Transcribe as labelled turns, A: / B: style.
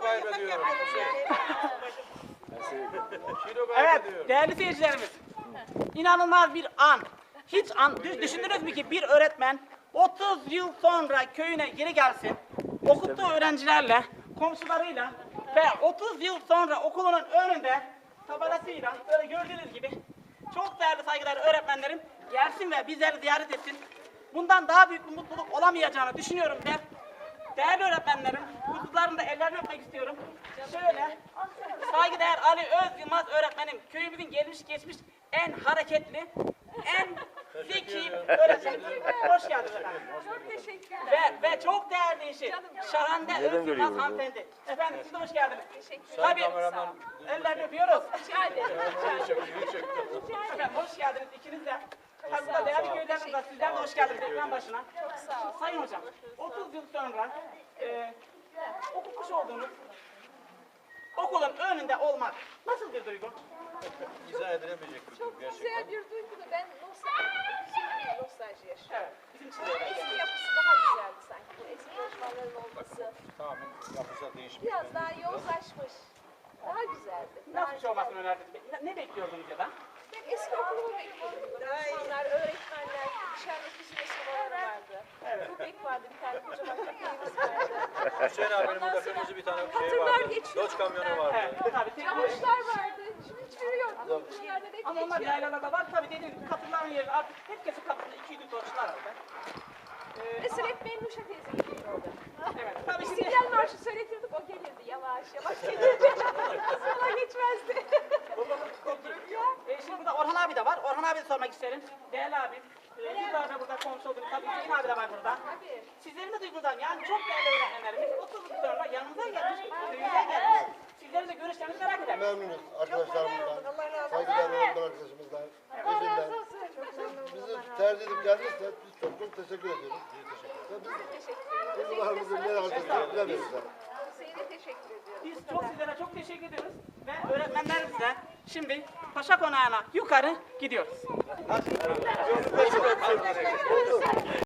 A: kaybediyorum. Kilo
B: Evet,
A: kaybediyorum.
B: değerli seyircilerimiz. İnanılmaz bir an. Hiç düşündünüz mü ki bir öğretmen 30 yıl sonra köyüne geri gelsin, okuttuğu öğrencilerle, komşularıyla ve 30 yıl sonra okulunun önünde tabelasıyla böyle gördüğünüz gibi çok değerli saygıdeğer öğretmenlerim gelsin ve bizleri ziyaret etsin. Bundan daha büyük bir mutluluk olamayacağını düşünüyorum ve değerli öğretmenlerim, huzurlarında ellerini öpmek istiyorum. Şöyle, saygıdeğer Ali Öz Yılmaz öğretmenim, köyümüzün gelmiş geçmiş en hareketli, en zeki öğretmenim. Hoş geldiniz efendim.
C: Çok teşekkürler.
B: Ve çok değerli işi, Şahande Öz Yılmaz hanımefendi. Efendim siz de hoş geldiniz.
C: Teşekkürler.
B: Tabii, ellerini öpüyoruz.
C: Rica ederim.
B: Efendim hoş geldiniz ikiniz de. Tabii burada değerli köylerimiz var, sizler de hoş geldiniz ekran başına.
C: Çok sağ ol.
B: Sayın hocam, 30 yıl sonra okumuş olduğunuz okulun önünde olmak nasıl bir duygu?
A: İzah edilemeyecek bir durum
C: Çok
A: gerçekten.
C: güzel bir duygu da ben nostalji yaşıyorum.
B: Evet, bizim için de öyle.
C: Eski yapısı daha güzeldi sanki. Bu eski çalışmaların olması
A: Tamamen yapısa değişmiş.
C: biraz daha yozlaşmış. Daha güzeldi.
B: Nasıl bir şey olmasını önerdiniz? Ne bekliyordunuz ya da?
C: Ben eski okulumu bekliyordum. İnsanlar, öğretmenler, dışarıda bir sürü sınavlar vardı. Köpek vardı, bir tane kocaman köpeğimiz vardı.
A: Hüseyin abinin burada kırmızı bir tane şey
C: Hatırlar
A: vardı.
C: geçiyor.
A: Doç kamyonu vardı.
B: Evet, tabii.
C: Çamaşırlar vardı. Şimdi hiçbiri yok. Bunlarda hep
B: Ama onlar
C: geçiyor.
B: yaylalarda var. Tabii dediğim gibi katırların yerine artık herkesin kapısında 200 torçlar var.
C: Mesela hep Mennuşa teyze gidiyor orada.
B: Evet, tabii şimdi
C: İstiklal Marşı söyletirdik, o gelirdi yavaş yavaş gelirdi. Sola geçmezdi.
B: Şimdi burada Orhan abi de var. Orhan abi de sormak isterim. Değerli abim. Yıllarca burada komşu olduk. Tabii Hüseyin abi de var burada.
C: Tabii.
B: Sizlerin de duygularını yani çok değerli öğretmenlerimiz 30 yıl sonra yanımıza gelmiş, köyümüze gelmiş. Sizlerin de görüşlerinizi merak ederim.
D: Memnunuz arkadaşlarımızdan, saygıdeğer öğretmen arkadaşımızdan, eşinden. Bizi tercih edip geldiyse biz çok çok teşekkür ediyoruz. Ve biz duygularımızı ne yapacağız bilemiyoruz.
C: Hüseyin'e teşekkür ediyorum.
B: Biz çok sizlere çok teşekkür ediyoruz ve öğretmenlerimize şimdi Paşa Konağı'na yukarı gidiyoruz.